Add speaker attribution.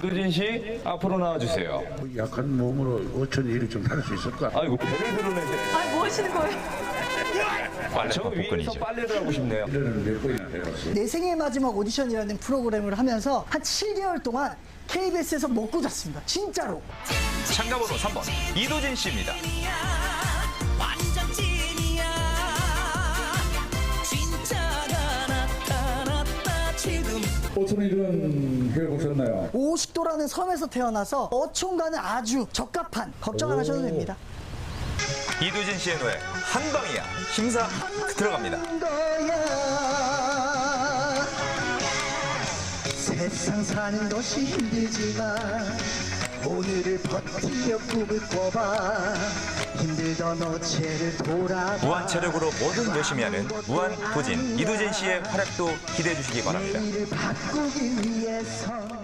Speaker 1: 이도진 씨 앞으로 나와주세요.
Speaker 2: 약한 몸으로 5천 일을 좀 다룰 수 있을까?
Speaker 1: 아이고 배를 드러내세요.
Speaker 3: 아니 뭐 하시는 거예요?
Speaker 1: 저 위에서 빨래를 하고 싶네요.
Speaker 2: 이래는 몇 번이나 해봤어.
Speaker 4: 내 생의 마지막 오디션이라는 프로그램을 하면서 한 7개월 동안 KBS에서 먹고 잤습니다. 진짜로.
Speaker 5: 참가번호 3번 이도진 씨입니다.
Speaker 6: 완전 찐이야 진짜가 나타났다 지금
Speaker 2: 5천 일은 해보셨나요?
Speaker 4: 오식도라는 섬에서 태어나서 어촌과는 아주 적합한 걱정 안 하셔도 됩니다.
Speaker 5: 이도진 씨의 노래 한방이야 심사 들어갑니다.
Speaker 4: 거야. 세상 사는 것이 힘들지만 오늘을 버티며 꿈을 꿔봐. 힘들던 어체를 돌아봐.
Speaker 5: 무한 체력으로 뭐든 열심히 하는 무한 도진 이도진 씨의 활약도 기대해 주시기 바랍니다.
Speaker 4: 내일을 바꾸기 위해서